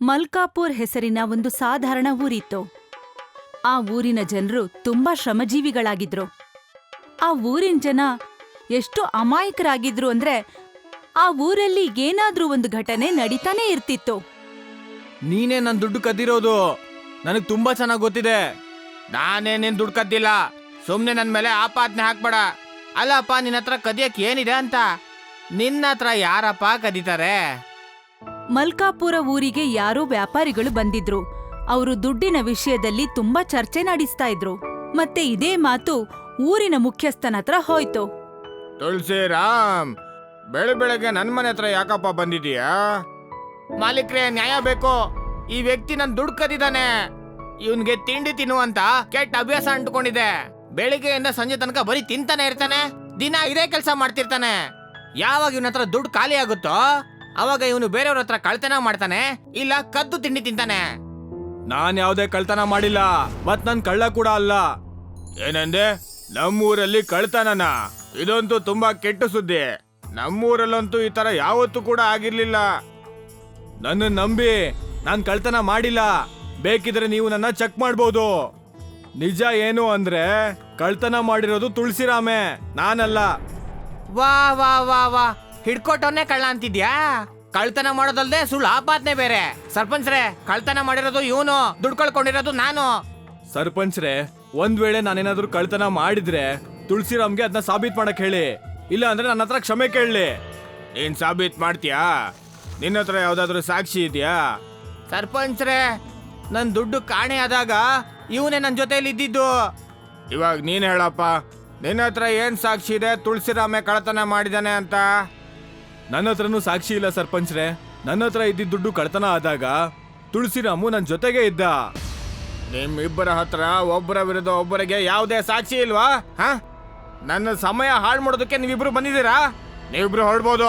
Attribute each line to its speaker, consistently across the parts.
Speaker 1: ಮಲ್ಕಾಪುರ್ ಹೆಸರಿನ ಒಂದು ಸಾಧಾರಣ ಊರಿತ್ತು. ಆ ಊರಿನ ಜನರು ತುಂಬಾ ಶ್ರಮಜೀವಿಗಳಾಗಿದ್ರು. ಆ ಊರಿನ ಜನ ಎಷ್ಟು ಅಮಾಯಕರಾಗಿದ್ರು ಅಂದ್ರೆ ಆ ಊರಲ್ಲಿ ಏನಾದ್ರೂ ಒಂದು ಘಟನೆ ನಡೀತಾನೆ ಇರ್ತಿತ್ತು.
Speaker 2: ನೀನೇ ನನ್ ದುಡ್ಡು ಕದ್ದಿರೋದು ನನಗ್ ತುಂಬಾ ಚೆನ್ನಾಗ್ ಗೊತ್ತಿದೆ. ನಾನೇ ನಿನ್ ದುಡ್ಡು ಕದ್ದಿಲ್ಲ. ಸುಮ್ನೆ ನನ್ ಮೇಲೆ ಆಪಾದನೆ ಹಾಕ್ಬೇಡ. ಅಲ್ಲಪ್ಪ, ನಿನ್ನ ಹತ್ರ ಕದಿಯಕ್ ಏನಿದೆ ಅಂತ? ನಿನ್ನ ಹತ್ರ ಯಾರಪ್ಪ ಕದೀತಾರೆ?
Speaker 1: ಮಲ್ಕಾಪುರ ಊರಿಗೆ ಯಾರೋ ವ್ಯಾಪಾರಿಗಳು ಬಂದಿದ್ರು. ಅವರು ದುಡ್ಡಿನ ವಿಷಯದಲ್ಲಿ ತುಂಬಾ ಚರ್ಚೆ ನಡೆಸ್ತಾ ಇದ್ರು. ಮತ್ತೆ ಇದೇ ಮಾತು ಊರಿನ ಮುಖ್ಯಸ್ಥನ ಹತ್ರ ಹೋಯ್ತು.
Speaker 2: ತುಳಸಿರಾಮ್, ಬೆಳಗ್ಗೆ ನನ್ ಮನೆ ಹತ್ರ ಯಾಕಪ್ಪ ಬಂದಿದೀಯಾ? ಮಾಲೀಕ್ರೆ, ನ್ಯಾಯ ಬೇಕು. ಈ ವ್ಯಕ್ತಿ ನನ್ ದುಡ್ಡು ಕದಿದಾನೆ. ಇವನ್ಗೆ ತಿಂಡಿ ತಿನ್ನುವಂತ ಕೆಟ್ಟ ಅಭ್ಯಾಸ ಅಂಟ್ಕೊಂಡಿದೆ. ಬೆಳಿಗ್ಗೆಯಿಂದ ಸಂಜೆ ತನಕ ಬರೀ ತಿಂತಾನೆ ಇರ್ತಾನೆ. ದಿನ ಇದೇ ಕೆಲಸ ಮಾಡ್ತಿರ್ತಾನೆ. ಯಾವಾಗ ಇವನ ಹತ್ರ ದುಡ್ಡು ಖಾಲಿ ಆಗುತ್ತೋ ಅವಾಗ ಇವನು ಬೇರೆಯವ್ರ ಹತ್ರ ಕಳ್ತನ ಮಾಡ್ತಾನೆ, ಇಲ್ಲ ಕದ್ದು ತಿಂಡಿ ತಿಂತಾನೆ. ನಾನ್ ಯಾವ್ದೇ ಕಳ್ತನ ಮಾಡಿಲ್ಲ, ಮತ್ ನನ್ ಕಳ್ಳ ಕೂಡ ಅಲ್ಲ. ಏನಂದೆ? ನಮ್ಮೂರಲ್ಲಿ ಕಳ್ತನನ? ಇದಂತೂ ತುಂಬಾ ಕೆಟ್ಟ ಸುದ್ದಿ. ನಮ್ಮೂರಲ್ಲಂತೂ ಈ ತರ ಯಾವತ್ತೂ ಕೂಡ ಆಗಿರ್ಲಿಲ್ಲ. ನನ್ನ ನಂಬಿ, ನಾನ್ ಕಳ್ತನ ಮಾಡಿಲ್ಲ. ಬೇಕಿದ್ರೆ ನೀವು ನನ್ನ ಚೆಕ್ ಮಾಡ್ಬೋದು. ನಿಜ ಏನು ಅಂದ್ರೆ ಕಳ್ತನ ಮಾಡಿರೋದು ತುಳಸಿರಾಮೆ, ನಾನಲ್ಲ. ವಾ ವಾ ವಾ ವಾ, ಹಿಡ್ಕೊಟ್ಟವನ್ನೇ ಕಳ್ಳ ಅಂತಿದ್ಯಾ? ಕಳ್ತನ ಮಾಡೋದಲ್ದೆ ಸುಳ್ಳು ಆಪಾದನೆ ಬೇರೆ. ಸರ್ಪಂಚ್ರೆ, ಕಳ್ತನ ಮಾಡಿರೋದು ಇವನು, ದುಡ್ಡು ಕಳ್ಕೊಂಡಿರೋದು ನಾನು. ಸರ್ಪಂಚ್ರೆ, ಒಂದ್ ವೇಳೆ ನಾನೇನಾದ್ರೂ ಕಳ್ತನ ಮಾಡಿದ್ರೆ ತುಳಸಿರಾಮ್ಗೆ ಅದನ್ನ ಸಾಬೀತ್ ಮಾಡಕ್ ಹೇಳಿ. ಇಲ್ಲ ಅಂದ್ರೆ ನನ್ನ ಹತ್ರ ಕ್ಷಮೆ ಕೇಳಲಿ. ನೀನ್ ಸಾಬೀತ್ ಮಾಡ್ತೀಯಾ? ನಿನ್ನ ಹತ್ರ ಯಾವ್ದಾದ್ರು ಸಾಕ್ಷಿ ಇದೆಯಾ? ಸರ್ಪಂಚ್ರೆ, ನನ್ ದುಡ್ಡು ಕಾಣೆ ಆದಾಗ ಇವನೇ ನನ್ ಜೊತೆಲಿ ಇದ್ದಿದ್ದು. ಇವಾಗ ನೀನ್ ಹೇಳಪ್ಪ, ನಿನ್ನ ಹತ್ರ ಏನ್ ಸಾಕ್ಷಿ ಇದೆ ತುಳಸಿರಾಮೆ ಕಳ್ತನ ಮಾಡಿದಾನೆ ಅಂತ? ನನ್ನ ಹತ್ರನೂ ಸಾಕ್ಷಿ ಇಲ್ಲ ಸರ್ಪಂಚ್ರೆ. ನನ್ನ ಹತ್ರ ಇದ್ದಿದ್ದ ದುಡ್ಡು ಕಳ್ತನ ಆದಾಗ ತುಳಸಿರಾಮು ನನ್ ಜೊತೆಗೆ ಇದ್ದ. ನಿಮ್ಮಿಬ್ಬರ ಹತ್ರ ಒಬ್ಬರ ವಿರುದ್ಧ ಒಬ್ಬರಿಗೆ ಯಾವುದೇ ಸಾಕ್ಷಿ ಇಲ್ವಾ? ನನ್ನ ಸಮಯ ಹಾಳು ಮಾಡೋದಕ್ಕೆ ನೀವಿಬ್ರು ಬಂದಿದ್ದೀರಾ? ನೀವಿಬ್ರು ಹೊರಡ್ಬೋದು.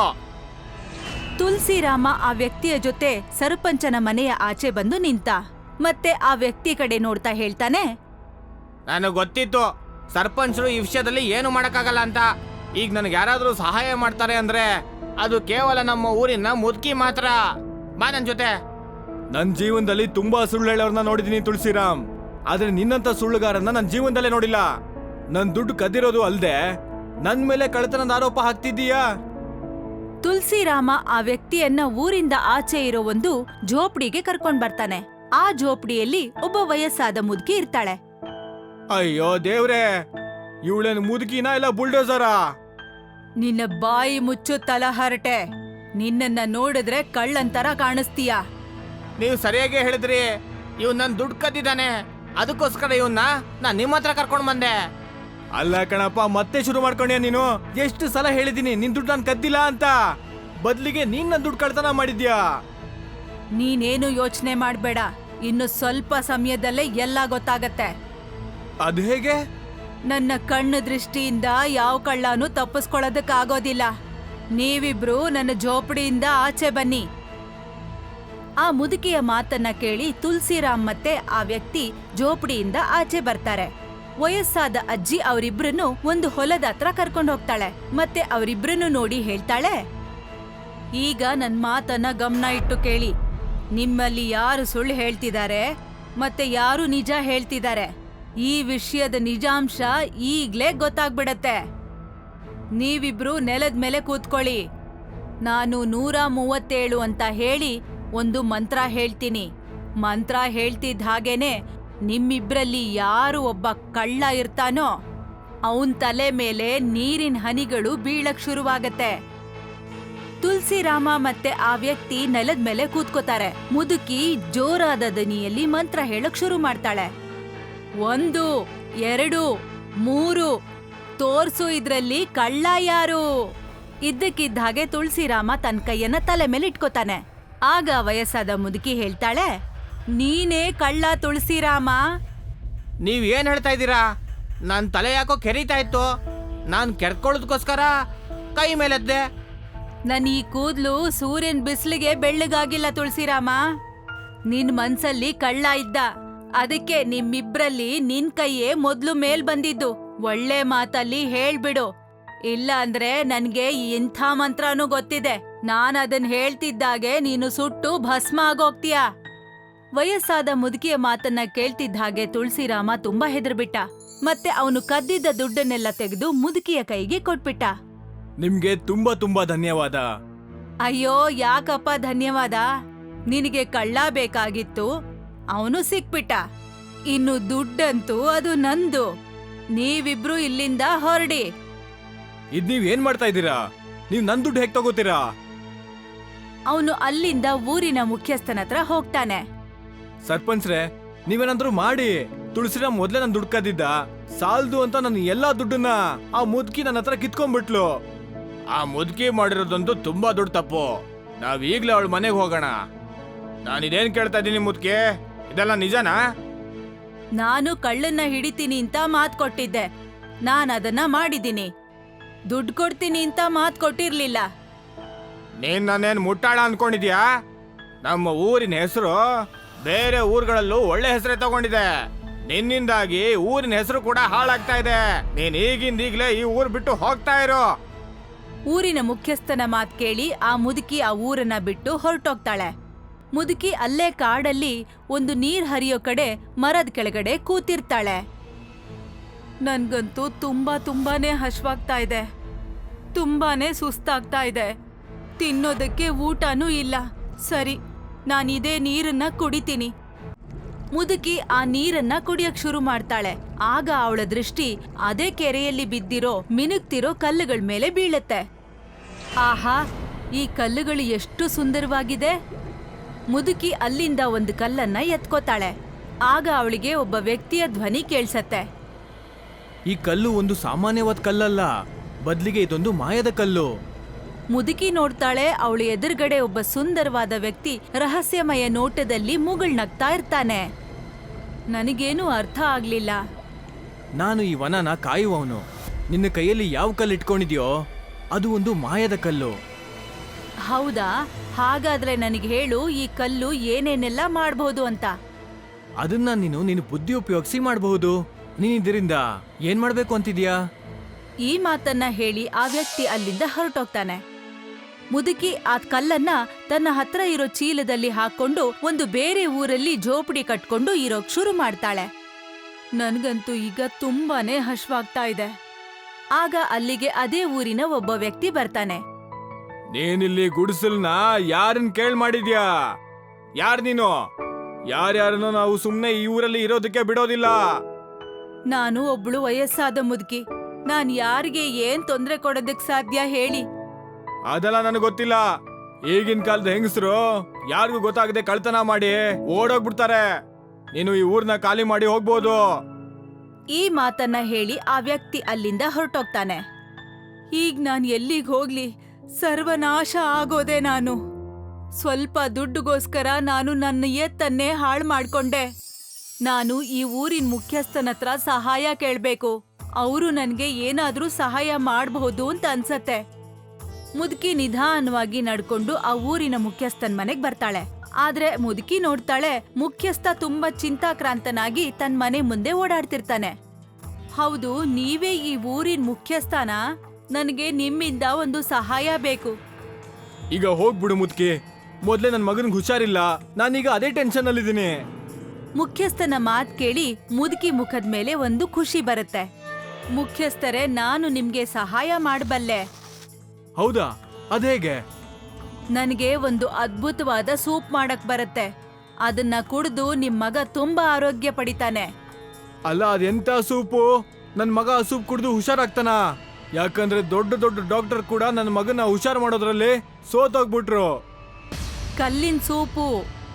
Speaker 1: ತುಳಸಿರಾಮ ಆ ವ್ಯಕ್ತಿಯ ಜೊತೆ ಸರ್ಪಂಚನ ಮನೆಯ ಆಚೆ ಬಂದು ನಿಂತ. ಮತ್ತೆ ಆ ವ್ಯಕ್ತಿ ಕಡೆ ನೋಡ್ತಾ ಹೇಳ್ತಾನೆ,
Speaker 2: ನನಗೆ ಗೊತ್ತಿತ್ತು ಸರ್ಪಂಚರು ಈ ವಿಷಯದಲ್ಲಿ ಏನು ಮಾಡಕ್ಕಾಗಲ್ಲ ಅಂತ. ಈಗ ನನಗೆ ಯಾರಾದ್ರೂ ಸಹಾಯ ಮಾಡ್ತಾರೆ ಅಂದ್ರೆ ಅದು ಕೇವಲ ನಮ್ಮ ಊರಿನ ಮುದುಕಿ ಮಾತ್ರ. ಬಾ ನನ್ ಜೊತೆ. ನನ್ ಜೀವನದಲ್ಲಿ ತುಂಬಾ ಸುಳ್ಳು ಹೇಳೋರ್ನ ನೋಡಿದೀನಿ ತುಳಸಿರಾಮ್, ಆದ್ರೆ ನಿನ್ನಂತ ಸುಳ್ಳುಗಾರನ್ನ ನನ್ ಜೀವನದಲ್ಲೇ ನೋಡಿಲ್ಲ. ನನ್ ದುಡ್ಡು ಕದ್ದಿರೋದು ಅಲ್ದೆ ನನ್ ಮೇಲೆ ಕಳ್ತನದ ಆರೋಪ ಹಾಕ್ತಿದ್ದೀಯಾ?
Speaker 1: ತುಳಸಿರಾಮ ಆ ವ್ಯಕ್ತಿಯನ್ನ ಊರಿಂದ ಆಚೆ ಇರೋ ಒಂದು ಝೋಪಡಿಗೆ ಕರ್ಕೊಂಡ್ ಬರ್ತಾನೆ. ಆ ಝೋಪಡಿಯಲ್ಲಿ ಒಬ್ಬ ವಯಸ್ಸಾದ ಮುದುಕಿ ಇರ್ತಾಳೆ.
Speaker 2: ಅಯ್ಯೋ ದೇವ್ರೆ, ಇವಳೇನು ಮುದುಕಿನಾ ಇಲ್ಲ ಬುಲ್ಡೋಸರಾ?
Speaker 1: ನಿನ್ನ ಬಾಯಿ ಮುಚ್ಚು ತಲಹರಟೆ. ನಿನ್ನನ್ನ ನೋಡಿದ್ರೆ ಕಳ್ಳಂತರ ಕಾಣಿಸ್ತೀಯ.
Speaker 2: ನೀವು ಸರಿಯಾಗಿ ಹೇಳಿದ್ರಿ. ಇವ್ ನನ್ ದುಡ್ಡು ಕದ್ದಿದ್ದಾನೆ, ಅದಕ್ಕೋಸ್ಕರ ಇವನ್ನ ನಾನ್ ನಿಮ್ಮ ಹತ್ರ ಕರ್ಕೊಂಡ್ ಬಂದೆ. ಅಲ್ಲ ಕಣಪ್ಪ, ಮತ್ತೆ ಶುರು ಮಾಡ್ಕೊಂಡ್ಯಾ ನೀನು? ಎಷ್ಟು ಸಲ ಹೇಳಿದೀನಿ ನಿನ್ ದುಡ್ಡು ನಾನು ಕದ್ದಿಲ್ಲ ಅಂತ. ಬದ್ಲಿಗೆ ನೀನ್ ನನ್ ದುಡ್ಡು ಕಳ್ತನ ಮಾಡಿದ್ಯಾ.
Speaker 1: ನೀನೇನು ಯೋಚನೆ ಮಾಡ್ಬೇಡ, ಇನ್ನು ಸ್ವಲ್ಪ ಸಮಯದಲ್ಲೇ ಎಲ್ಲ ಗೊತ್ತಾಗತ್ತೆ.
Speaker 2: ಅದ್ ಹೇಗೆ?
Speaker 1: ನನ್ನ ಕಣ್ಣು ದೃಷ್ಟಿಯಿಂದ ಯಾವ ಕಳ್ಳನೂ ತಪ್ಪಿಸ್ಕೊಳ್ಳೋದಕ್ಕಾಗೋದಿಲ್ಲ. ನೀವಿಬ್ರು ನನ್ನ ಝೋಪಡಿಯಿಂದ ಆಚೆ ಬನ್ನಿ. ಆ ಮುದುಕಿಯ ಮಾತನ್ನ ಕೇಳಿ ತುಳಸಿರಾಮ್ ಮತ್ತೆ ಆ ವ್ಯಕ್ತಿ ಝೋಪಡಿಯಿಂದ ಆಚೆ ಬರ್ತಾರೆ. ವಯಸ್ಸಾದ ಅಜ್ಜಿ ಅವರಿಬ್ರನ್ನು ಒಂದು ಹೊಲದ ಹತ್ರ ಕರ್ಕೊಂಡು ಹೋಗ್ತಾಳೆ. ಮತ್ತೆ ಅವರಿಬ್ರನ್ನು ನೋಡಿ ಹೇಳ್ತಾಳೆ, ಈಗ ನನ್ ಮಾತನ್ನ ಗಮನ ಇಟ್ಟು ಕೇಳಿ. ನಿಮ್ಮಲ್ಲಿ ಯಾರು ಸುಳ್ಳು ಹೇಳ್ತಿದ್ದಾರೆ ಮತ್ತೆ ಯಾರು ನಿಜ ಹೇಳ್ತಿದ್ದಾರೆ, ಈ ವಿಷಯದ ನಿಜಾಂಶ ಈಗ್ಲೇ ಗೊತ್ತಾಗ್ಬಿಡತ್ತೆ. ನೀವಿಬ್ರು ನೆಲದ ಮೇಲೆ ಕೂತ್ಕೊಳ್ಳಿ. ನಾನು 137 ಅಂತ ಹೇಳಿ ಒಂದು ಮಂತ್ರ ಹೇಳ್ತೀನಿ. ಮಂತ್ರ ಹೇಳ್ತಿದ್ದ ಹಾಗೇನೆ ನಿಮ್ಮಿಬ್ರಲ್ಲಿ ಯಾರು ಒಬ್ಬ ಕಳ್ಳ ಇರ್ತಾನೋ ಅವನ್ ತಲೆ ಮೇಲೆ ನೀರಿನ ಹನಿಗಳು ಬೀಳಕ್ ಶುರುವಾಗತ್ತೆ. ತುಳಸಿರಾಮ ಮತ್ತೆ ಆ ವ್ಯಕ್ತಿ ನೆಲದ ಮೇಲೆ ಕೂತ್ಕೋತಾರೆ. ಮುದುಕಿ ಜೋರಾದ ದನಿಯಲ್ಲಿ ಮಂತ್ರ ಹೇಳಕ್ ಶುರು ಮಾಡ್ತಾಳೆ. 1, 2, 3 ತೋರ್ಸು, ಇದ್ರಲ್ಲಿ ಕಳ್ಳ ಯಾರು? ಇದ್ದಕ್ಕಿದ್ದ ಹಾಗೆ ತುಳಸಿರಾಮ ತನ್ನ ಕೈಯನ್ನ ತಲೆ ಮೇಲೆ ಇಟ್ಕೋತಾನೆ. ಆಗ ವಯಸ್ಸಾದ ಮುದುಕಿ ಹೇಳ್ತಾಳೆ, ನೀನೇ ಕಳ್ಳ ತುಳಸಿರಾಮ.
Speaker 2: ನೀವ್ ಏನ್ ಹೇಳ್ತಾ ಇದ್ದೀರಾ? ನನ್ ತಲೆ ಯಾಕೋ ಕೆರೀತಾ ಇತ್ತು. ನಾನ್ ಕೆರ್ಕೊಳ್ಳೋದಕ್ಕೋಸ್ಕರ ಕೈ ಮೇಲೆದ್ದೆ.
Speaker 1: ನನ್ ಈ ಕೂದ್ಲು ಸೂರ್ಯನ್ ಬಿಸಿಲಿಗೆ ಬೆಳ್ಳಗಾಗಿಲ್ಲ ತುಳಸಿರಾಮ. ನಿನ್ ಮನ್ಸಲ್ಲಿ ಕಳ್ಳ ಇದ್ದ, ಅದಕ್ಕೆ ನಿಮ್ಮಿಬ್ರಲ್ಲಿ ನಿನ್ ಕೈಯೇ ಮೊದ್ಲು ಮೇಲ್ ಬಂದಿದ್ದು. ಒಳ್ಳೆ ಮಾತಲ್ಲಿ ಹೇಳ್ಬಿಡು, ಇಲ್ಲ ಅಂದ್ರೆ ನನ್ಗೆ ಇಂಥ ಮಂತ್ರನೂ ಗೊತ್ತಿದೆ. ನಾನ್ ಅದನ್ ಹೇಳ್ತಿದ್ದಾಗೆ ನೀನು ಸುಟ್ಟು ಭಸ್ಮ ಆಗೋಗ್ತೀಯ. ವಯಸ್ಸಾದ ಮುದುಕಿಯ ಮಾತನ್ನ ಕೇಳ್ತಿದ್ದ ಹಾಗೆ ತುಳಸಿರಾಮ ತುಂಬಾ ಹೆದರ್ಬಿಟ್ಟ. ಮತ್ತೆ ಅವನು ಕದ್ದಿದ್ದ ದುಡ್ಡನ್ನೆಲ್ಲ ತೆಗೆದು ಮುದುಕಿಯ ಕೈಗೆ ಕೊಟ್ಬಿಟ್ಟ.
Speaker 3: ನಿಮ್ಗೆ ತುಂಬಾ ತುಂಬಾ ಧನ್ಯವಾದ.
Speaker 1: ಅಯ್ಯೋ ಯಾಕಪ್ಪ ಧನ್ಯವಾದ, ನಿನಗೆ ಕಳ್ಳ ಬೇಕಾಗಿತ್ತು, ಅವನು ಸಿಕ್ಬಿಟ್ಟ. ಇನ್ನು ದುಡ್ಡಂತೂ ಅದು ನಂದು. ನೀವಿಬ್ರು ಇಲ್ಲಿಂದ ಹೊರಡಿ.
Speaker 3: ಇದ್ ನೀವ್ ಏನ್ ಮಾಡ್ತಾ ಇದ್ದೀರಾ? ನೀವ್ ನನ್ ದುಡ್ಡು ಹೇಗ್ ತಗೋತೀರಾ?
Speaker 1: ಅವನು ಅಲ್ಲಿಂದ ಊರಿನ ಮುಖ್ಯಸ್ಥನ ಹತ್ರ ಹೋಗ್ತಾನೆ.
Speaker 3: ಸರ್ಪಂಚ್ರೆ, ನೀವೇನಾದ್ರೂ ಮಾಡಿ. ತುಳಸಿರಾಮ್ ಮೊದ್ಲೇ ನನ್ ದುಡ್ಡು ಕದ್ದಿದ್ದ, ಸಾಲ್ದು ಅಂತ ನನ್ನ ಎಲ್ಲಾ ದುಡ್ಡನ್ನ ಆ ಮುದುಕಿ ನನ್ನ ಹತ್ರ ಕಿತ್ಕೊಂಡ್ಬಿಟ್ಲು.
Speaker 2: ಆ ಮುದುಕಿ ಮಾಡಿರೋದಂತೂ ತುಂಬಾ ದೊಡ್ಡ ತಪ್ಪು. ನಾವ್ ಈಗ್ಲೇ ಅವಳ ಮನೆಗೆ ಹೋಗೋಣ. ನಾನಿದೇನ್ ಕೇಳ್ತಾ ಇದ್ದೀನಿ ಮುದುಕಿ, ಇದೆಲ್ಲ ನಿಜನಾ?
Speaker 1: ನಾನು ಕಳ್ಳನ್ನ ಹಿಡಿತೀನಿ ಅಂತ ಮಾತ್ ಕೊಟ್ಟಿದ್ದೆ. ನಾನ್ ಅದನ್ನ ಮಾಡಿದ್ದೀನಿ. ದುಡ್ಡು ಕೊಡ್ತೀನಿ ಅಂತ ಮಾತ್ ಕೊಟ್ಟಿರ್ಲಿಲ್ಲ.
Speaker 2: ನೀನ್ ನಾನೇನ್ ಮುಟ್ಟಾಳ ಅನ್ಕೊಂಡಿದ್ಯಾ? ನಮ್ಮ ಊರಿನ ಹೆಸರು ಬೇರೆ ಊರುಗಳಲ್ಲೂ ಒಳ್ಳೆ ಹೆಸರೇ ತಗೊಂಡಿದೆ. ನಿನ್ನಿಂದಾಗಿ ಊರಿನ ಹೆಸರು ಕೂಡ ಹಾಳಾಗ್ತಾ ಇದೆ. ನೀನ್ ಈಗಿಂದೀಗ್ಲೇ ಈ ಊರ್ ಬಿಟ್ಟು ಹೋಗ್ತಾ ಇರೋ.
Speaker 1: ಊರಿನ ಮುಖ್ಯಸ್ಥನ ಮಾತ್ ಕೇಳಿ ಆ ಮುದುಕಿ ಆ ಊರನ್ನ ಬಿಟ್ಟು ಹೊರಟೋಗ್ತಾಳೆ. ಮುದುಕಿ ಅಲ್ಲೇ ಕಾಡಲ್ಲಿ ಒಂದು ನೀರ್ ಹರಿಯೋ ಕಡೆ ಮರದ ಕೆಳಗಡೆ ಕೂತಿರ್ತಾಳೆ. ನನ್ಗಂತೂ ತುಂಬಾನೇ ಹಶ್ವಾಗ್ತಾ ಇದೆ. ತುಂಬಾನೇ ಸುಸ್ತಾಗ್ತಾ ಇದೆ. ತಿನ್ನೋದಕ್ಕೆ ಊಟನೂ ಇಲ್ಲ. ಸರಿ, ನಾನಿದೇ ನೀರನ್ನ ಕುಡಿತೀನಿ. ಮುದುಕಿ ಆ ನೀರನ್ನ ಕುಡಿಯಕ್ ಶುರು ಮಾಡ್ತಾಳೆ. ಆಗ ಅವಳ ದೃಷ್ಟಿ ಅದೇ ಕೆರೆಯಲ್ಲಿ ಬಿದ್ದಿರೋ ಮಿನುಗ್ತಿರೋ ಕಲ್ಲುಗಳ ಮೇಲೆ ಬೀಳತ್ತೆ. ಆಹಾ, ಈ ಕಲ್ಲುಗಳು ಎಷ್ಟು ಸುಂದರವಾಗಿದೆ. ಮುದುಕಿ ಅಲ್ಲಿಂದ ಒಂದು ಕಲ್ಲನ್ನ ಎತ್ಕೋತಾಳೆ. ಆಗ ಅವಳಿಗೆ ಒಬ್ಬ ವ್ಯಕ್ತಿಯ ಧ್ವನಿ ಕೇಳ್ಸತ್ತೆ.
Speaker 3: ಈ ಕಲ್ಲು ಒಂದು ಸಾಮಾನ್ಯವಾದ ಕಲ್ಲಲ್ಲ, ಬದ್ಲಿಗೆ ಇದೊಂದು ಮಾಯದ ಕಲ್ಲು.
Speaker 1: ಮುದುಕಿ ನೋಡ್ತಾಳೆ. ಅವಳ ಎದುರುಗಡೆ ಒಬ್ಬ ಸುಂದರವಾದ ವ್ಯಕ್ತಿ ರಹಸ್ಯಮಯ ನೋಟದಲ್ಲಿ ಮುಗುಳ್ನಗ್ತಾ ಇರ್ತಾನೆ. ನನಗೇನು ಅರ್ಥ ಆಗ್ಲಿಲ್ಲ.
Speaker 3: ನಾನು ಈ ವನನ ಕಾಯುವವನು. ನಿನ್ನ ಕೈಯಲ್ಲಿ ಯಾವ ಕಲ್ಲು ಇಟ್ಕೊಂಡಿದ್ಯೋ ಅದು ಒಂದು ಮಾಯದ ಕಲ್ಲು.
Speaker 1: ಹೌದಾ? ಹಾಗಾದ್ರೆ ನನಗೆ ಹೇಳು, ಈ ಕಲ್ಲು ಏನೇನೆಲ್ಲ ಮಾಡಬಹುದು ಅಂತ.
Speaker 3: ಅದನ್ನ ನೀನು ಬುದ್ಧಿ ಉಪಯೋಗಿಸಿ ಮಾಡಬಹುದು. ನೀನ್ ಇದರಿಂದ ಏನ್ ಮಾಡ್ಬೇಕು ಅಂತಿದ್ಯಾ?
Speaker 1: ಈ ಮಾತನ್ನ ಹೇಳಿ ಆ ವ್ಯಕ್ತಿ ಅಲ್ಲಿಂದ ಹೊರಟೋಗ್ತಾನೆ. ಮುದುಕಿ ಆ ಕಲ್ಲನ್ನ ತನ್ನ ಹತ್ರ ಇರೋ ಚೀಲದಲ್ಲಿ ಹಾಕೊಂಡು ಒಂದು ಬೇರೆ ಊರಲ್ಲಿ ಜೋಪಡಿ ಕಟ್ಕೊಂಡು ಇರೋಕ್ ಶುರು ಮಾಡ್ತಾಳೆ. ನನ್ಗಂತೂ ಈಗ ತುಂಬಾನೇ ಹಶ್ವಾಗ್ತಾ ಇದೆ. ಆಗ ಅಲ್ಲಿಗೆ ಅದೇ ಊರಿನ ಒಬ್ಬ ವ್ಯಕ್ತಿ ಬರ್ತಾನೆ.
Speaker 3: ನೀನಿಲ್ಲಿ ಗುಡಿಸಲ್ನ ಯಾರನ್ ಕೇಳ್ ಮಾಡಿದ್ಯಾ? ಯಾರ್ ನೀನು? ಯಾರ್ಯಾರನ್ನೋ ನಾವು ಸುಮ್ನೆ ಈ ಊರಲ್ಲಿ ಇರೋದಕ್ಕೆ ಬಿಡೋದಿಲ್ಲ.
Speaker 1: ನಾನು ಒಬ್ಳು ವಯಸ್ಸಾದ ಮುದುಕಿ. ನಾನ್ ಯಾರಿಗೆ ಏನ್ ತೊಂದ್ರೆ ಕೊಡೋದಕ್ ಸಾಧ್ಯ ಹೇಳಿ?
Speaker 3: ಅದೆಲ್ಲ ನನಗೆ ಗೊತ್ತಿಲ್ಲ. ಈಗಿನ ಕಾಲದ ಹೆಂಗಸರು ಯಾರಿಗೂ ಗೊತ್ತಾಗದೆ ಕಳ್ತನ ಮಾಡಿ ಓಡೋಗ್ಬಿಡ್ತಾರೆ. ನೀನು ಈ ಊರ್ನ ಖಾಲಿ ಮಾಡಿ ಹೋಗ್ಬೋದು.
Speaker 1: ಈ ಮಾತನ್ನ ಹೇಳಿ ಆ ವ್ಯಕ್ತಿ ಅಲ್ಲಿಂದ ಹೊರಟೋಗ್ತಾನೆ. ಈಗ ನಾನ್ ಎಲ್ಲಿಗ್ ಹೋಗ್ಲಿ? ಸರ್ವನಾಶ ಆಗೋದೆ ನಾನು. ಸ್ವಲ್ಪ ದುಡ್ಡುಗೋಸ್ಕರ ನಾನು ನನ್ನ ಎತ್ತನ್ನೇ ಹಾಳು ಮಾಡ್ಕೊಂಡೆ. ನಾನು ಈ ಊರಿನ ಮುಖ್ಯಸ್ಥನ ಹತ್ರ ಸಹಾಯ ಕೇಳ್ಬೇಕು. ಅವರು ನನ್ಗೆ ಏನಾದ್ರೂ ಸಹಾಯ ಮಾಡಬಹುದು ಅಂತ ಅನ್ಸತ್ತೆ. ಮುದುಕಿ ನಿಧಾನವಾಗಿ ನಡ್ಕೊಂಡು ಆ ಊರಿನ ಮುಖ್ಯಸ್ಥನ್ ಮನೆಗ್ ಬರ್ತಾಳೆ. ಆದ್ರೆ ಮುದುಕಿ ನೋಡ್ತಾಳೆ, ಮುಖ್ಯಸ್ಥ ತುಂಬಾ ಚಿಂತಾಕ್ರಾಂತನಾಗಿ ತನ್ನ ಮನೆ ಮುಂದೆ ಓಡಾಡ್ತಿರ್ತಾನೆ. ಹೌದು, ನೀವೇ ಈ ಊರಿನ ಮುಖ್ಯಸ್ಥನ? ನನಗೆ ನಿಮ್ಮಿಂದ ಒಂದು ಸಹಾಯ ಬೇಕು.
Speaker 3: ಈಗ ಹೋಗ್ಬಿಡು ಮುದ್ಕಿ. ಮೊದ್ಲೇ ನನ್ನ ಮಗನ್ಗೆ ಹುಷಾರಿಲ್ಲ. ನಾನೀಗ ಅದೇ ಟೆನ್ಷನ್ ಅಲ್ಲಿದ್ದೀನಿ.
Speaker 1: ಮುಖ್ಯಸ್ಥನ ಮಾತ್ ಕೇಳಿ ಮುದುಕಿ ಮುಖದ ಮೇಲೆ ಒಂದು ಖುಷಿ ಬರುತ್ತೆ. ಮುಖ್ಯಸ್ಥರೇ, ನಾನು ನಿಮ್ಗೆ ಸಹಾಯ ಮಾಡಬಲ್ಲೆ.
Speaker 3: ಹೌದಾ? ಅದೇಗೆ?
Speaker 1: ನನಗೆ ಒಂದು ಅದ್ಭುತವಾದ ಸೂಪ್ ಮಾಡಕ್ ಬರುತ್ತೆ. ಅದನ್ನ ಕುಡಿದು ನಿಮ್ ಮಗ ತುಂಬಾ ಆರೋಗ್ಯ ಪಡಿತಾನೆ.
Speaker 3: ಅಲ್ಲ, ಅದೆಂತ ಸೂಪು? ನನ್ನ ಮಗ ಆ ಸೂಪ್ ಕುಡಿದು ಹುಷಾರಾಗ್ತಾನ? ಯಾಕಂದ್ರೆ ದೊಡ್ಡ ದೊಡ್ಡ ಡಾಕ್ಟರ್ ಕೂಡ ನನ್ನ ಮಗನ ಹುಷಾರ್ ಮಾಡೋದ್ರಲ್ಲಿ ಸೋತೋಗ್ಬಿಟ್ರು.
Speaker 1: ಕಲ್ಲಿನ ಸೂಪು.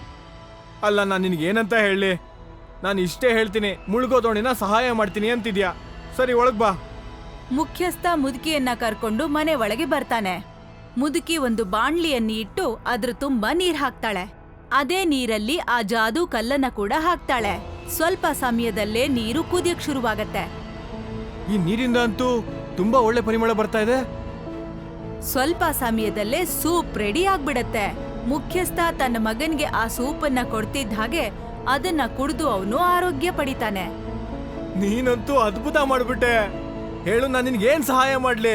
Speaker 3: ಅಲ್ಲ, ನಾನು ನಿನ್ಗೆ ಏನಂತ ಹೇಳಿ? ನಾನು ಇಷ್ಟೇ ಹೇಳ್ತೀನಿ, ಮುಳುಗೋ ದೋಣಿನ ಸಹಾಯ ಮಾಡ್ತೀನಿ ಅಂತಿದ್ಯಾ? ಸರಿ, ಒಳಗ್ ಬಾ.
Speaker 1: ಮುಖ್ಯಸ್ಥ ಮುದುಕಿಯನ್ನ ಕರ್ಕೊಂಡು ಮನೆ ಒಳಗೆ ಬರ್ತಾನೆ. ಮುದುಕಿ ಒಂದು ಬಾಣ್ಲಿಯನ್ನು ಇಟ್ಟು ಅದ್ರ ತುಂಬಾ ನೀರ್ ಹಾಕ್ತಾಳೆ. ಅದೇ ನೀರಲ್ಲಿ ಆ ಜಾದೂ ಕಲ್ಲನ್ನ ಕೂಡ ಹಾಕ್ತಾಳೆ. ಸ್ವಲ್ಪ ಸಮಯದಲ್ಲೇ ನೀರು ಕುದಿಯಕ್ ಶುರುವಾಗತ್ತೆ.
Speaker 3: ಈ ನೀರಿಂದ ಅಂತೂ ತುಂಬಾ ಒಳ್ಳೆ ಪರಿಮಳ ಬರ್ತಾ ಇದೆ.
Speaker 1: ಸ್ವಲ್ಪ ಸಮಯದಲ್ಲೇ ಸೂಪ್ ರೆಡಿ ಆಗ್ಬಿಡತ್ತೆ. ಮುಖ್ಯಸ್ಥ ತನ್ನ ಮಗನ್ಗೆ ಆ ಸೂಪನ್ನ ಕೊಡ್ತಿದ್ದ ಹಾಗೆ ಅದನ್ನ ಕುಡಿದು ಅವನು ಆರೋಗ್ಯ ಪಡಿತಾನೆ.
Speaker 3: ನೀನಂತೂ ಅದ್ಭುತ ಮಾಡ್ಬಿಟ್ಟೆ. ಹೇಳು, ನಾನು ನಿನ್ಗೆ ಏನ್ ಸಹಾಯ ಮಾಡ್ಲಿ?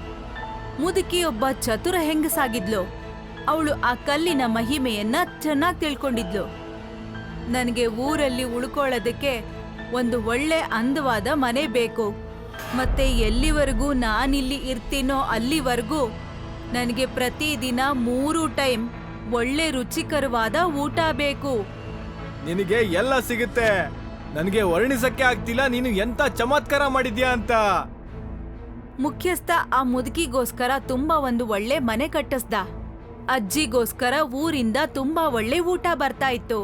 Speaker 1: ಮುದುಕಿ ಒಬ್ಬ ಚತುರ ಹೆಂಗಸಾಗಿದ್ಲು. ಅವಳು ಆ ಕಲ್ಲಿನ ಮಹಿಮೆಯನ್ನ ಚೆನ್ನಾಗಿ ತಿಳ್ಕೊಂಡಿದ್ಲು. ನನಗೆ ಊರಲ್ಲಿ ಉಳ್ಕೊಳ್ಳೋದಕ್ಕೆ ಒಂದು ಒಳ್ಳೆ ಅಂದವಾದ ಮನೆ ಬೇಕು. ಮತ್ತೆ ಎಲ್ಲಿವರೆಗೂ ನಾನಿಲ್ಲಿ ಇರ್ತೀನೋ ಅಲ್ಲಿವರೆಗೂ ನನಗೆ ಪ್ರತಿದಿನ 3 ಟೈಮ್ ಒಳ್ಳೆ ರುಚಿಕರವಾದ ಊಟ ಬೇಕು.
Speaker 3: ನಿನಗೆ ಎಲ್ಲ ಸಿಗುತ್ತೆ. ನನಗೆ ವರ್ಣಿಸಕ್ಕೆ ಆಗ್ತಿಲ್ಲ ನೀನು ಎಂತ ಚಮತ್ಕಾರ ಮಾಡಿದ್ಯಾ ಅಂತ.
Speaker 1: ಮುಖ್ಯಸ್ಥ ಆ ಮುದುಕಿಗೋಸ್ಕರ ತುಂಬಾ ಒಂದು ಒಳ್ಳೆ ಮನೆ ಕಟ್ಟಿಸ್ದ. ಅಜ್ಜಿಗೋಸ್ಕರ ಊರಿಂದ ತುಂಬಾ ಒಳ್ಳೆ ಊಟ ಬರ್ತಾ ಇತ್ತು.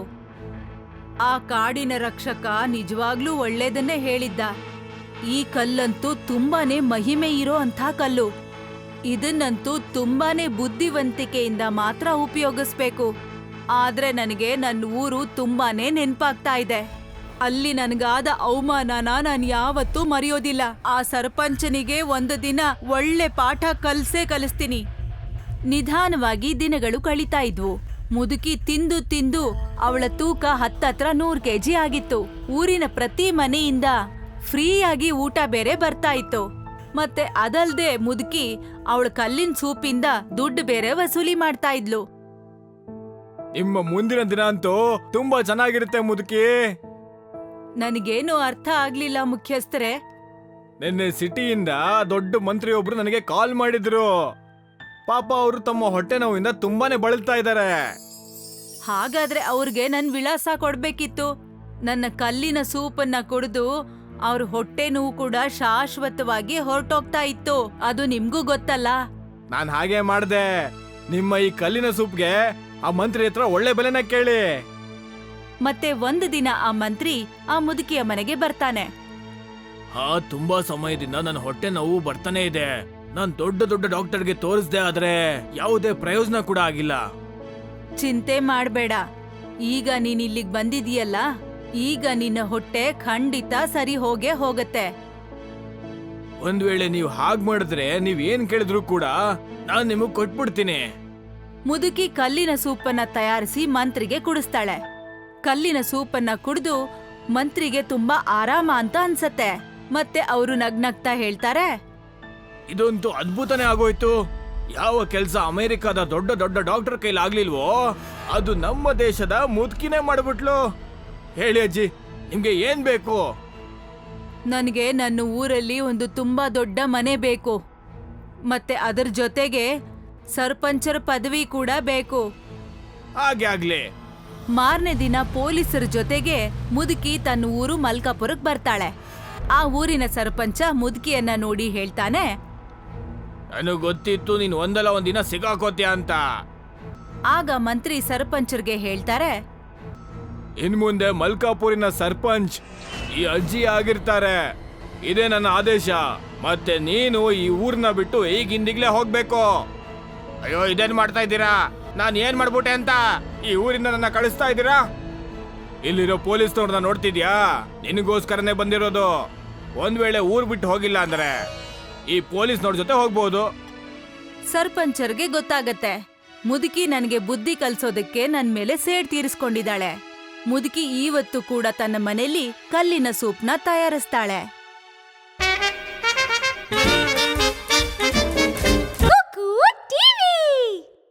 Speaker 1: ಆ ಕಾಡಿನ ರಕ್ಷಕ ನಿಜವಾಗ್ಲೂ ಒಳ್ಳೇದನ್ನೇ ಹೇಳಿದ್ದ. ಈ ಕಲ್ಲಂತೂ ತುಂಬಾನೇ ಮಹಿಮೆ ಇರೋ ಅಂಥ ಕಲ್ಲು. ಇದನ್ನಂತೂ ತುಂಬಾನೇ ಬುದ್ಧಿವಂತಿಕೆಯಿಂದ ಮಾತ್ರ ಉಪಯೋಗಿಸ್ಬೇಕು. ಆದ್ರೆ ನನಗೆ ನನ್ನ ಊರು ತುಂಬಾನೇ ನೆನ್ಪಾಗ್ತಾ ಇದೆ. ಅಲ್ಲಿ ನನಗಾದ ಅವಮಾನನ ನಾನು ಯಾವತ್ತೂ ಮರೆಯೋದಿಲ್ಲ. ಆ ಸರ್ಪಂಚನಿಗೆ ಒಂದು ದಿನ ಒಳ್ಳೆ ಪಾಠ ಕಲಿಸ್ತೀನಿ. ನಿಧಾನವಾಗಿ ದಿನಗಳು ಕಳೀತಾ ಇದ್ವು. ಮುದುಕಿ ತಿಂದು ತಿಂದು ಅವಳ ತೂಕ ಹತ್ತತ್ರ 100 ಕೆಜಿ ಆಗಿತ್ತು. ಊರಿನ ಪ್ರತಿ ಮನೆಯಿಂದ ಫ್ರೀಯಾಗಿ ಊಟ ಬೇರೆ ಬರ್ತಾ ಇತ್ತು. ಮತ್ತೆ ಅದಲ್ದೆ ಮುದುಕಿ ಅವಳ ಕಲ್ಲಿನ ಸೂಪಿಂದ ದುಡ್ಡು ಬೇರೆ ವಸೂಲಿ ಮಾಡ್ತಾ ಇದ್ಲು.
Speaker 3: ನಿಮ್ಮ ಮುಂದಿನ ದಿನ ಅಂತೂ ತುಂಬಾ ಚೆನ್ನಾಗಿರುತ್ತೆ ಮುದುಕಿ.
Speaker 1: ನನಗೇನು ಅರ್ಥ ಆಗ್ಲಿಲ್ಲ ಮುಖ್ಯಸ್ಥರೇ.
Speaker 3: ನಿನ್ನೆ ಸಿಟಿಯಿಂದ ದೊಡ್ಡ ಮಂತ್ರಿ ಒಬ್ರು ನನಗೆ ಕಾಲ್ ಮಾಡಿದ್ರು. ಪಾಪ ಅವರು ತಮ್ಮ ಹೊಟ್ಟೆ ನೋವಿಂದ ತುಂಬಾನೇ ಬಳಲ್ತಾ ಇದ್ದಾರೆ.
Speaker 1: ಹಾಗಾದ್ರೆ ಅವ್ರಿಗೆ ನನ್ ವಿಳಾಸ ಕೊಡ್ಬೇಕಿತ್ತು. ನನ್ನ ಕಲ್ಲಿನ ಸೂಪನ್ನ ಕುಡಿದು ಅವ್ರ ಹೊಟ್ಟೆ ನೋವು ಕೂಡ ಶಾಶ್ವತವಾಗಿ ಹೊರಟೋಗ್ತಾ ಇತ್ತು. ಅದು ನಿಮ್ಗೂ ಗೊತ್ತಲ್ಲ.
Speaker 3: ನಾನ್ ಹಾಗೆ ಮಾಡ್ದೆ. ನಿಮ್ಮ ಈ ಕಲ್ಲಿನ ಸೂಪ್ಗೆ ಆ ಮಂತ್ರಿ ಹತ್ರ ಒಳ್ಳೆ ಬೆಲೆನ ಕೇಳಿ.
Speaker 1: ಮತ್ತೆ ಒಂದು ದಿನ ಆ ಮಂತ್ರಿ ಆ ಮುದುಕಿಯ ಮನೆಗೆ ಬರ್ತಾನೆ.
Speaker 3: ತುಂಬಾ ಸಮಯದಿಂದ ನನ್ನ ಹೊಟ್ಟೆ ನೋವು ಬರ್ತಾನೆ ಇದೆ. ನಾನ್ ದೊಡ್ಡ ದೊಡ್ಡ ಡಾಕ್ಟರ್ಗೆ ತೋರಿಸ್ದೆ, ಆದ್ರೆ ಯಾವುದೇ ಪ್ರಯೋಜನ ಕೂಡ ಆಗಿಲ್ಲ.
Speaker 1: ಚಿಂತೆ ಮಾಡ್ಬೇಡ. ಈಗ ನೀನ್ ಇಲ್ಲಿಗ್ ಬಂದಿದೀಯಲ್ಲ, ಈಗ ನಿನ್ನ ಹೊಟ್ಟೆ ಖಂಡಿತ ಸರಿ ಹೋಗತ್ತೆ.
Speaker 3: ಒಂದ್ ವೇಳೆ ನೀವು ಹಾಗ್ ಮಾಡಿದ್ರೆ ನೀವ್ ಏನ್ ಕೇಳಿದ್ರು ಕೂಡ ನಾನ್ ನಿಮಗ್ ಕೊಟ್ಬಿಡ್ತೀನಿ.
Speaker 1: ಮುದುಕಿ ಕಲ್ಲಿನ ಸೂಪನ್ನ ತಯಾರಿಸಿ ಮಂತ್ರಿಗೆ ಕುಡಿಸ್ತಾಳೆ. ಕಲ್ಲಿನ ಸೂಪನ್ನ ಕುಡಿದು ಮಂತ್ರಿಗೆ ತುಂಬಾ ಆರಾಮ ಅಂತ ಅನ್ಸತ್ತೆ. ಮತ್ತೆ ಅವರು ನಗ್ನಗ್ತಾ ಹೇಳ್ತಾರೆ,
Speaker 3: ಇದಂತೂ ಅದ್ಭುತನೇ ಆಗೋಯ್ತು. ಯಾವ ಕೆಲ್ಸ ಅಮೆರಿಕದ ದೊಡ್ಡ ದೊಡ್ಡ ಡಾಕ್ಟರ್ ಕೈಲಿ ಆಗ್ಲಿಲ್ವೋ ಅದು ನಮ್ಮ ದೇಶದ ಮುದುಕಿನೇ ಮಾಡ್ಬಿಟ್ಲು. ಹೇಳಿ ಅಜ್ಜಿ, ನಿಮ್ಗೆ ಏನ್ ಬೇಕು?
Speaker 1: ನನಗೆ ನನ್ನ ಊರಲ್ಲಿ ಒಂದು ತುಂಬಾ ದೊಡ್ಡ ಮನೆ ಬೇಕು. ಮತ್ತೆ ಅದರ ಜೊತೆಗೆ ಸರ್ಪಂಚರ ಪದವಿ ಕೂಡ ಬೇಕು.
Speaker 3: ಹಾಗೆ ಆಗ್ಲಿ.
Speaker 1: ಮಾರನೇ ದಿನ ಪೊಲೀಸರ ಜೊತೆಗೆ ಮುದುಕಿ ತನ್ನ ಊರು ಮಲ್ಕಾಪುರಕ್ಕೆ ಬರ್ತಾಳೆ. ಆ ಊರಿನ ಸರ್ಪಂಚ ಮುದುಕಿಯನ್ನ ನೋಡಿ ಹೇಳ್ತಾನೆ,
Speaker 3: ನನಗ್ ಗೊತ್ತಿತ್ತು ನೀನ್ ಒಂದಲ್ಲ ಒಂದಿನ ಸಿಗಾಕೋತ್ಯ ಅಂತ.
Speaker 1: ಆಗ ಮಂತ್ರಿ ಸರ್ಪಂಚರ್ಗೆ ಹೇಳ್ತಾರೆ,
Speaker 3: ಇನ್ ಮುಂದೆ ಮಲ್ಕಾಪುರಿನ ಸರ್ಪಂಚ್ ಈ ಅಜ್ಜಿ ಆಗಿರ್ತಾರೆ. ಇದೇ ನನ್ನ ಆದೇಶ. ಮತ್ತೆ ನೀನು ಈ ಊರ್ನ ಬಿಟ್ಟು ಈಗಿಂದಿಗ್ಲೇ ಹೋಗ್ಬೇಕು.
Speaker 2: ಅಯ್ಯೋ, ಇದೇನ್ ಮಾಡ್ತಾ ಇದ್ದೀರಾ? ನಾನ್ ಏನ್ ಮಾಡ್ಬಿಟ್ಟೆ ಅಂತ ಈ ಊರಿಂದ ನನ್ನ ಕಳಿಸ್ತಾ ಇದ್ದೀರಾ?
Speaker 3: ಇಲ್ಲಿರೋ ಪೊಲೀಸ್ನವ್ರನ್ನ ನೋಡ್ತಿದ್ಯಾ? ನಿನಗೋಸ್ಕರನೇ ಬಂದಿರೋದು. ಒಂದ್ ವೇಳೆ ಊರ್ ಬಿಟ್ಟು ಹೋಗಿಲ್ಲ ಅಂದ್ರೆ ಈ ಪೊಲೀಸ್ನವ್ರ ಜೊತೆ ಹೋಗ್ಬೋದು.
Speaker 1: ಸರ್ಪಂಚರ್ಗೆ ಗೊತ್ತಾಗತ್ತೆ, ಮುದುಕಿ ನನಗೆ ಬುದ್ಧಿ ಕಲ್ಸೋದಕ್ಕೆ ನನ್ ಮೇಲೆ ಸೇಡ್ ತೀರಿಸ್ಕೊಂಡಿದ್ದಾಳೆ. ಮುದುಕಿ ಇವತ್ತು ಕೂಡ ತನ್ನ ಮನೆಯಲ್ಲಿ ಕಲ್ಲಿನ ಸೂಪ್ನ ತಯಾರಿಸ್ತಾಳೆ.